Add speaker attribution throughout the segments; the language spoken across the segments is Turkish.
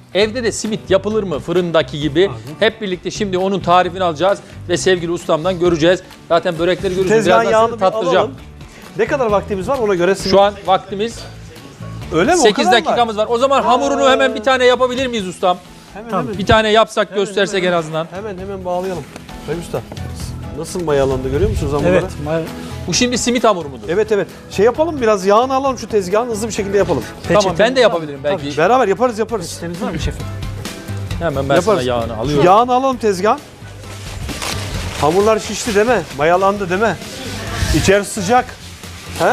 Speaker 1: evde de simit yapılır mı fırındaki gibi? Hep birlikte şimdi onun tarifini alacağız ve sevgili ustamdan göreceğiz. Zaten börekleri göreceğiz.
Speaker 2: Tezgahın
Speaker 1: Birazdan
Speaker 2: yağını
Speaker 1: size
Speaker 2: bir
Speaker 1: tattıracağım.
Speaker 2: alalım. Ne kadar vaktimiz var ona göre simit.
Speaker 1: Şu an vaktimiz
Speaker 2: Öyle mi?
Speaker 1: 8 dakikamız var. O zaman hamurunu hemen bir tane yapabilir miyiz ustam?
Speaker 2: Hemen.
Speaker 1: Bir tane yapsak göstersek en azından.
Speaker 2: Hemen bağlayalım. Sayın Usta. Nasıl mayalandı görüyor musunuz hamurları?
Speaker 3: Evet.
Speaker 1: Bu şimdi simit hamuru mudur?
Speaker 2: Evet. Şey yapalım biraz yağını alalım şu tezgahın hızlı bir şekilde yapalım.
Speaker 1: Tamam ben de yapabilirim belki.
Speaker 2: Beraber yaparız.
Speaker 3: Peçeteniz var mı şefim?
Speaker 1: Hemen ben sana
Speaker 2: Yaparız.
Speaker 1: yağını alıyorum.
Speaker 2: Yağını alalım tezgahın. Hamurlar şişti değil mi? Mayalandı değil mi? İçerisi sıcak. He?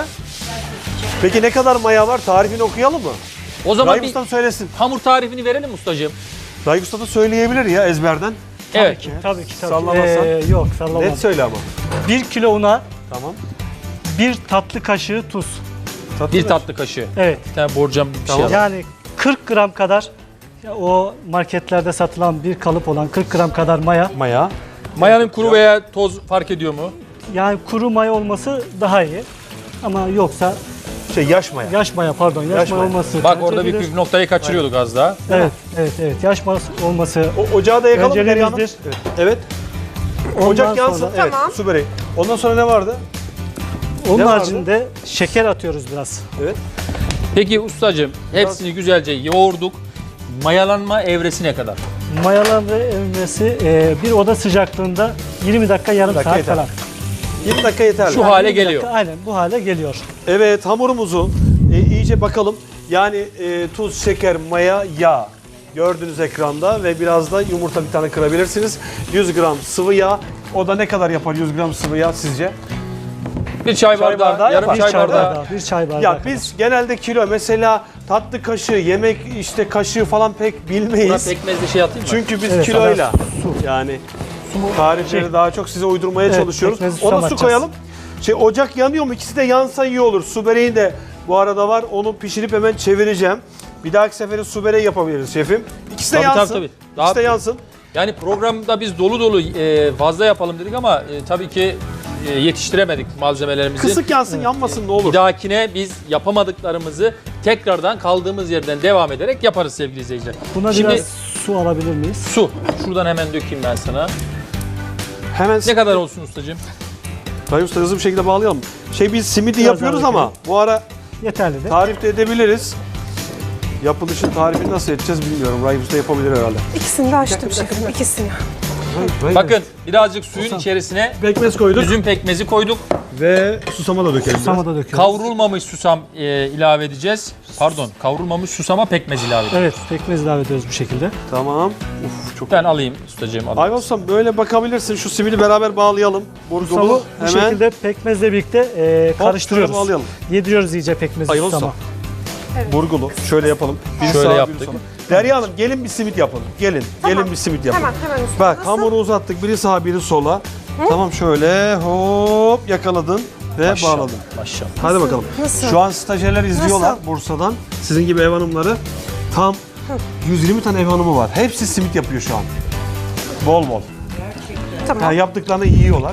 Speaker 2: Peki ne kadar maya var? Tarifini okuyalım mı?
Speaker 1: O zaman
Speaker 2: Rahim
Speaker 1: bir
Speaker 2: Usta söylesin.
Speaker 1: hamur tarifini verelim ustacığım.
Speaker 2: Rahim Usta da söyleyebilir ya ezberden.
Speaker 1: Evet.
Speaker 3: Tabii ki.
Speaker 2: Sallamazsan.
Speaker 3: Yok sallamam.
Speaker 2: Net söyle ama.
Speaker 3: 1 kilo una,
Speaker 2: Tamam.
Speaker 3: 1 tatlı kaşığı tuz.
Speaker 1: Bir tatlı kaşığı.
Speaker 3: Evet.
Speaker 1: Bir tane borcam bir
Speaker 2: Tamam.
Speaker 1: şey al.
Speaker 3: Yani 40 gram kadar o marketlerde satılan bir kalıp olan 40 gram kadar maya.
Speaker 2: Maya.
Speaker 1: Mayanın kuru veya toz fark ediyor mu?
Speaker 3: Yani kuru maya olması daha iyi. Ama yoksa
Speaker 2: Yaş maya.
Speaker 3: yaş maya
Speaker 2: Yaş
Speaker 3: maya
Speaker 2: maya.
Speaker 3: olması.
Speaker 1: Bak
Speaker 3: tercih
Speaker 1: orada bir
Speaker 3: edilir.
Speaker 1: püf noktayı kaçırıyorduk az daha.
Speaker 3: Evet. Yaş maya olması.
Speaker 2: Ocağı da yakalım
Speaker 3: Öncelimizdir.
Speaker 2: Derya Hanım. Evet.
Speaker 3: Ondan
Speaker 2: Ocak yansın.
Speaker 3: sonra-
Speaker 2: Evet.
Speaker 4: Tamam.
Speaker 2: Su böreği. Ondan sonra ne vardı?
Speaker 3: Onun
Speaker 2: Ne vardı?
Speaker 3: haricinde şeker atıyoruz biraz.
Speaker 2: Evet.
Speaker 1: Peki ustacığım hepsini güzelce yoğurduk. Mayalanma evresine kadar.
Speaker 3: Mayalanma emresi bir oda sıcaklığında 20 dakika yarım
Speaker 2: dakika
Speaker 3: saat
Speaker 2: yeter.
Speaker 3: falan.
Speaker 2: 20 dakika yeterli.
Speaker 1: Şu hale
Speaker 3: 20 dakika,
Speaker 1: geliyor.
Speaker 3: aynen bu hale geliyor.
Speaker 2: Evet hamurumuzu iyice bakalım. Yani tuz, şeker, maya, yağ. Gördüğünüz ekranda ve biraz da yumurta bir tane kırabilirsiniz. 100 gram sıvı yağ. O da ne kadar yapar 100 gram sıvı yağ sizce?
Speaker 1: Bir çay bardağı,
Speaker 2: bardağı
Speaker 1: yarım
Speaker 2: yapar.
Speaker 1: çay bardağı.
Speaker 3: Bir çay bardağı.
Speaker 2: Ya biz genelde kilo mesela tatlı kaşığı, yemek işte kaşığı falan pek
Speaker 1: Buna
Speaker 2: bilmeyiz.
Speaker 1: pekmezli şey atayım mı?
Speaker 2: Çünkü biz
Speaker 3: Evet,
Speaker 2: kiloyla
Speaker 3: su.
Speaker 2: yani tarifleri daha çok size uydurmaya
Speaker 3: Evet,
Speaker 2: çalışıyoruz.
Speaker 3: pekmezi
Speaker 2: Ona su
Speaker 3: susamayacağız.
Speaker 2: koyalım. Ocak yanıyor mu? İkisi de yansa iyi olur. Su böreği de bu arada var. Onu pişirip hemen çevireceğim. Bir dahaki sefere su böreği yapabiliriz şefim. İkisi de
Speaker 1: Tabii,
Speaker 2: yansın.
Speaker 1: tabii.
Speaker 2: İkisi de yansın.
Speaker 1: Yani programda biz dolu dolu fazla yapalım dedik ama tabii ki yetiştiremedik malzemelerimizi.
Speaker 2: Kısık yansın, yanmasın ne olur.
Speaker 1: Bir dahakine biz yapamadıklarımızı tekrardan kaldığımız yerden devam ederek yaparız sevgili izleyiciler.
Speaker 3: Buna
Speaker 1: Şimdi
Speaker 3: biraz su alabilir miyiz?
Speaker 1: su. Şuradan hemen dökeyim ben sana.
Speaker 2: Hemen
Speaker 1: Ne kadar olsun ustacığım?
Speaker 2: Rahim Usta hızlı bir şekilde bağlayalım. Biz simidi
Speaker 3: Biraz
Speaker 2: yapıyoruz
Speaker 3: daha
Speaker 2: ama bu ara
Speaker 3: Yeterli de.
Speaker 2: tarif de edebiliriz. Yapılışın tarifini nasıl edeceğiz bilmiyorum. Rahim Usta yapabilir herhalde.
Speaker 4: İkisini de açtım şefim, ikisini.
Speaker 1: Bakın birazcık suyun içerisine
Speaker 2: Pekmez koyduk
Speaker 1: üzüm pekmezi koyduk.
Speaker 2: ve susama da dökelim.
Speaker 3: Susama da döküyoruz.
Speaker 1: Kavrulmamış susam ilave edeceğiz. Pardon, kavrulmamış susama pekmez ilave edeceğiz.
Speaker 3: Evet, pekmez ilave ediyoruz bu şekilde.
Speaker 2: Tamam. Çok.
Speaker 1: Ben alayım ustacığım. Alayım.
Speaker 2: Ayvan Ustam böyle bakabilirsin. Şu simidi beraber bağlayalım. Burgulu
Speaker 3: Susamı bu
Speaker 2: hemen.
Speaker 3: şekilde pekmezle birlikte
Speaker 2: Hop,
Speaker 3: karıştırıyoruz.
Speaker 2: şöyle bağlayalım.
Speaker 3: Yediriyoruz iyice pekmezi
Speaker 2: Ayvan
Speaker 3: susama.
Speaker 2: Ustam. Burgulu. Şöyle yapalım. Biri
Speaker 1: Şöyle
Speaker 2: sağa, biri
Speaker 1: yaptık.
Speaker 2: sola. Derya Hanım gelin bir simit yapalım. Gelin. Gelin bir simit yapalım.
Speaker 4: Hemen usta.
Speaker 2: Bak
Speaker 4: Nasıl?
Speaker 2: hamuru uzattık. Biri sağa biri sola. Tamam şöyle hop yakaladın ve
Speaker 1: Maşallah,
Speaker 2: bağladın.
Speaker 1: Maşallah.
Speaker 2: Hadi bakalım.
Speaker 4: Nasıl?
Speaker 2: Şu an stajyerler izliyorlar
Speaker 4: Nasıl?
Speaker 2: Bursa'dan. Sizin gibi ev hanımları. Tam 120 tane ev hanımı var. Hepsi simit yapıyor şu an. Bol bol.
Speaker 4: Tamam.
Speaker 2: Yani yaptıklarını yiyorlar.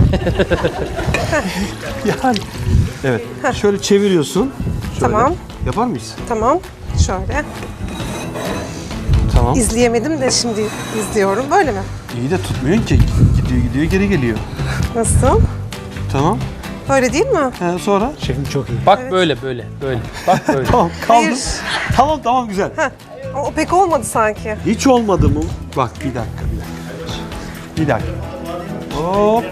Speaker 2: yani evet. Şöyle çeviriyorsun. Şöyle.
Speaker 4: Tamam.
Speaker 2: Yapar mıyız?
Speaker 4: Tamam. Şöyle.
Speaker 2: Tamam.
Speaker 4: İzleyemedim de şimdi izliyorum. Böyle mi?
Speaker 2: İyi de tutmuyorsun ki. Gidiyor geri geliyor.
Speaker 4: Nasıl?
Speaker 2: Tamam.
Speaker 4: Böyle değil mi?
Speaker 2: Sonra?
Speaker 3: Şefim çok iyi.
Speaker 1: Bak böyle. Bak böyle.
Speaker 2: Tamam kaldı.
Speaker 4: Hayır.
Speaker 2: Tamam güzel.
Speaker 4: O pek olmadı sanki.
Speaker 2: Hiç olmadı mı? Bak bir dakika. Bir dakika. Hop.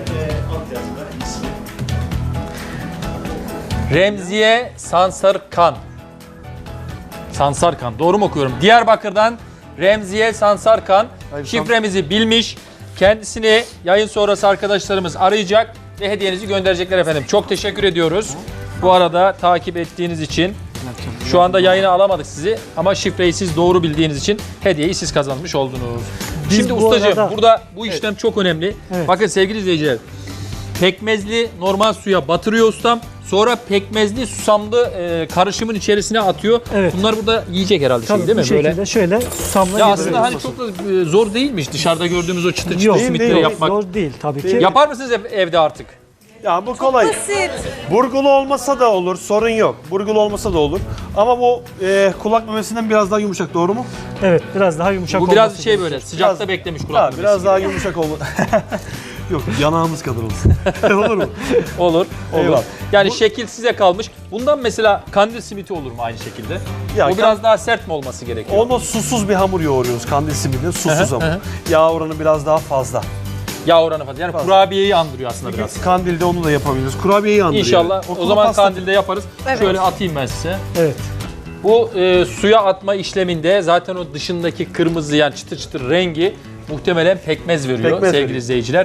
Speaker 1: Remziye Sansarkan. Sansarkan. Doğru mu okuyorum? Diyarbakır'dan Remziye Sansarkan
Speaker 2: Hayır,
Speaker 1: şifremizi bilmiş. Kendisini yayın sonrası arkadaşlarımız arayacak ve hediyenizi gönderecekler efendim. Çok teşekkür ediyoruz. Bu arada takip ettiğiniz için şu anda yayına alamadık sizi ama şifreyi siz doğru bildiğiniz için hediyeyi siz kazanmış oldunuz.
Speaker 3: Biz
Speaker 1: Şimdi
Speaker 3: bu
Speaker 1: ustacığım
Speaker 3: arada-
Speaker 1: burada bu işlem çok önemli.
Speaker 3: Evet.
Speaker 1: Bakın sevgili izleyiciler. Pekmezli normal suya batırıyor ustam. Sonra pekmezli susamlı karışımın içerisine atıyor.
Speaker 3: Evet.
Speaker 1: Bunlar burada yiyecek herhalde
Speaker 3: Tabii
Speaker 1: şey değil
Speaker 3: bu
Speaker 1: mi?
Speaker 3: şekilde
Speaker 1: Böyle.
Speaker 3: şöyle susamla
Speaker 1: Ya
Speaker 3: yediriyoruz.
Speaker 1: aslında hani çok da zor değilmiş dışarıda gördüğümüz o çıtır çıtır
Speaker 3: Yok,
Speaker 1: simitleri
Speaker 2: değil,
Speaker 1: yapmak.
Speaker 3: zor değil tabii ki.
Speaker 2: Değil.
Speaker 1: Yapar mısınız evde artık?
Speaker 2: Ya bu kolay.
Speaker 4: Basit.
Speaker 2: Burgulu olmasa da olur, sorun yok. Burgulu olmasa da olur. Ama bu kulak memesinden biraz daha yumuşak, doğru mu?
Speaker 3: Evet, biraz daha yumuşak
Speaker 1: Bu biraz
Speaker 3: olması
Speaker 1: şey
Speaker 3: gerekiyor.
Speaker 1: böyle sıcakta
Speaker 2: Biraz-
Speaker 1: beklemiş kulak memesi
Speaker 2: biraz
Speaker 1: gibi.
Speaker 2: daha yumuşak olmalı. Yok, yanağımız kadar olsun. Olur mu?
Speaker 1: Olur.
Speaker 2: Eyvallah.
Speaker 1: Yani şekil size kalmış. Bundan mesela kandil simiti olur mu aynı şekilde?
Speaker 2: Ya
Speaker 1: O biraz daha sert mi olması gerekiyor?
Speaker 2: Onu susuz bir hamur yoğuruyoruz kandil simidinde, susuz hamur. Yağ oranı biraz daha fazla.
Speaker 1: Yağ oranı fazla. Yani kurabiyeyi andırıyor aslında biraz.
Speaker 2: Kandilde onu da yapabiliriz. Kurabiyeyi andırıyor.
Speaker 1: İnşallah. O
Speaker 2: Okulu
Speaker 1: zaman
Speaker 2: pasta-
Speaker 1: kandilde yaparız.
Speaker 4: Evet.
Speaker 1: Şöyle atayım ben size.
Speaker 3: Evet.
Speaker 1: Bu suya atma işleminde zaten o dışındaki kırmızı yani çıtır çıtır rengi muhtemelen pekmez veriyor
Speaker 2: Pekmez
Speaker 1: sevgili
Speaker 2: veriyor.
Speaker 1: izleyiciler.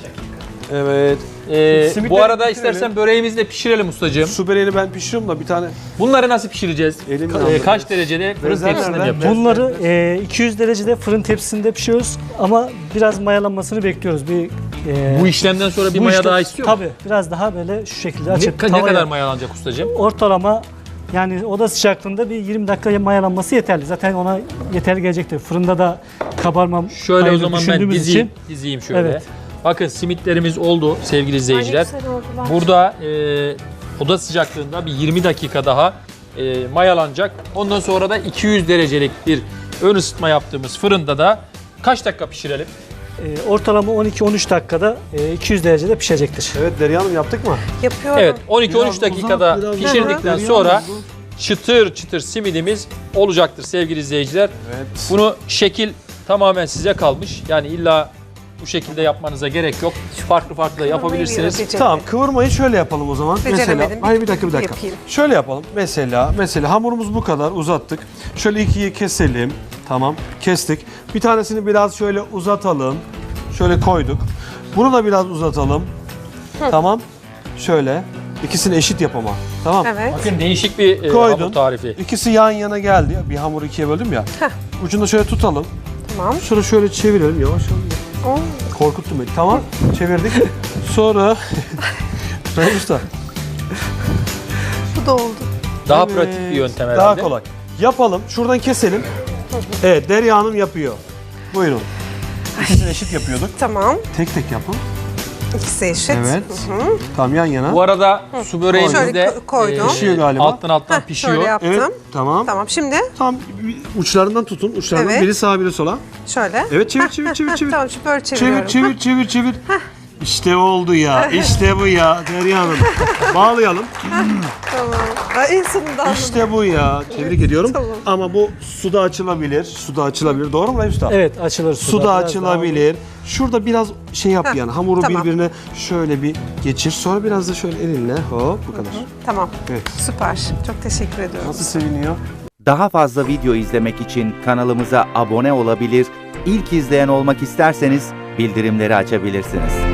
Speaker 2: Evet. Simitleri
Speaker 1: Bu arada
Speaker 2: bitirelim.
Speaker 1: istersen böreğimizi de pişirelim ustacığım.
Speaker 2: Su böreğini ben pişiriyorum da bir tane.
Speaker 1: Bunları nasıl pişireceğiz?
Speaker 2: Elimle aldım.
Speaker 1: Kaç derecede fırın
Speaker 2: Bezer
Speaker 1: tepsisinde mi
Speaker 2: nerede?
Speaker 1: yapacağız?
Speaker 3: Bunları 200 derecede fırın tepsisinde pişiriyoruz ama biraz mayalanmasını bekliyoruz.
Speaker 1: Bu işlemden sonra bir
Speaker 3: bu
Speaker 1: maya
Speaker 3: işte-
Speaker 1: daha istiyor mu?
Speaker 3: Tabii, biraz daha böyle şu şekilde açıp
Speaker 1: Ne
Speaker 3: tavaya-
Speaker 1: kadar mayalanacak ustacığım?
Speaker 3: ortalama yani oda sıcaklığında bir 20 dakika mayalanması yeterli. Zaten ona yeterli gelecektir. Fırında da kabarma
Speaker 1: Şöyle o
Speaker 3: payını
Speaker 1: zaman ben
Speaker 3: düşündüğümüz
Speaker 1: dizeyim.
Speaker 3: için
Speaker 1: Dizeyim şöyle.
Speaker 3: Evet.
Speaker 1: Bakın simitlerimiz oldu sevgili izleyiciler.
Speaker 4: Ay, ne güzel oldular.
Speaker 1: Burada oda sıcaklığında bir 20 dakika daha mayalanacak. Ondan sonra da 200 derecelik bir ön ısıtma yaptığımız fırında da kaç dakika pişirelim?
Speaker 3: ortalama 12-13 dakikada 200 derecede pişecektir.
Speaker 2: Evet Derya Hanım, yaptık mı?
Speaker 4: Yapıyorum.
Speaker 1: Evet 12-13
Speaker 2: Biraz
Speaker 1: dakikada
Speaker 2: uzat, biraz
Speaker 1: pişirdikten
Speaker 2: uzat.
Speaker 1: sonra çıtır çıtır simidimiz olacaktır sevgili izleyiciler.
Speaker 2: Evet.
Speaker 1: Bunu şekil tamamen size kalmış. Yani illa bu şekilde yapmanıza gerek yok. Farklı farklı da yapabilirsiniz.
Speaker 2: Tamam, kıvırmayı şöyle yapalım o zaman.
Speaker 4: Beceremedim.
Speaker 2: Mesela, hayır bir dakika.
Speaker 4: Yapayım.
Speaker 2: Şöyle yapalım. Mesela hamurumuz bu kadar uzattık. Şöyle ikiye keselim. Tamam, kestik. Bir tanesini biraz şöyle uzatalım. Şöyle koyduk. Bunu da biraz uzatalım. Tamam. Şöyle. İkisini eşit yap ama. Tamam.
Speaker 4: Evet.
Speaker 1: Bakın değişik bir
Speaker 2: Koydun.
Speaker 1: hamur tarifi.
Speaker 2: İkisi yan yana geldi. Bir hamuru ikiye böldüm ya. Ucunda şöyle tutalım.
Speaker 4: Tamam.
Speaker 2: Sonra şöyle çevirelim yavaş yavaş.
Speaker 4: Oo,
Speaker 2: Korkuttun beni. Tamam. Çevirdik. Sonra Sayın Usta.
Speaker 4: bu da oldu.
Speaker 1: Daha
Speaker 2: Evet,
Speaker 1: pratik bir yöntem herhalde.
Speaker 2: Daha kolay. Yapalım. Şuradan keselim. Evet, Derya Hanım yapıyor. Buyurun. İkisini eşit yapıyorduk.
Speaker 4: Tamam.
Speaker 2: Tek tek yapın.
Speaker 4: İkisi eşit.
Speaker 2: Evet.
Speaker 4: Hı hı.
Speaker 2: Tam yan yana.
Speaker 1: Bu arada su böreğimiz
Speaker 4: Şöyle
Speaker 1: de
Speaker 4: koydum.
Speaker 2: Pişiyor galiba.
Speaker 1: alttan
Speaker 4: Heh,
Speaker 1: pişiyor.
Speaker 4: şöyle yaptım.
Speaker 2: Evet, tamam.
Speaker 4: Tamam, şimdi
Speaker 2: Tam uçlarından tutun. Uçlarından
Speaker 4: Evet.
Speaker 2: biri sağa biri sola.
Speaker 4: şöyle.
Speaker 2: Evet, çevir,
Speaker 4: Heh,
Speaker 2: çevir,
Speaker 4: heh,
Speaker 2: çevir,
Speaker 4: heh,
Speaker 2: çevir.
Speaker 4: Tamam, şimdi böyle çeviriyorum.
Speaker 2: Çevir. İşte oldu ya. İşte bu ya Derya Hanım. Bağlayalım.
Speaker 4: Tamam. Ay, en sonunda anladım.
Speaker 2: İşte bu ya. Tebrik ediyorum.
Speaker 4: Tamam.
Speaker 2: Ama bu suda açılabilir. Doğru mu Rahim Usta?
Speaker 3: Evet, açılır
Speaker 2: Suda
Speaker 3: Biraz daha
Speaker 2: açılabilir. Şurada biraz şey yap
Speaker 4: Heh,
Speaker 2: yani hamuru
Speaker 4: tamam.
Speaker 2: birbirine şöyle bir geçir. Sonra biraz da şöyle elinle hop bu kadar.
Speaker 4: Tamam.
Speaker 2: Evet.
Speaker 4: Süper. Çok teşekkür ediyorum.
Speaker 2: Nasıl seviniyor?
Speaker 5: Daha fazla video izlemek için kanalımıza abone olabilir, ilk izleyen olmak isterseniz bildirimleri açabilirsiniz.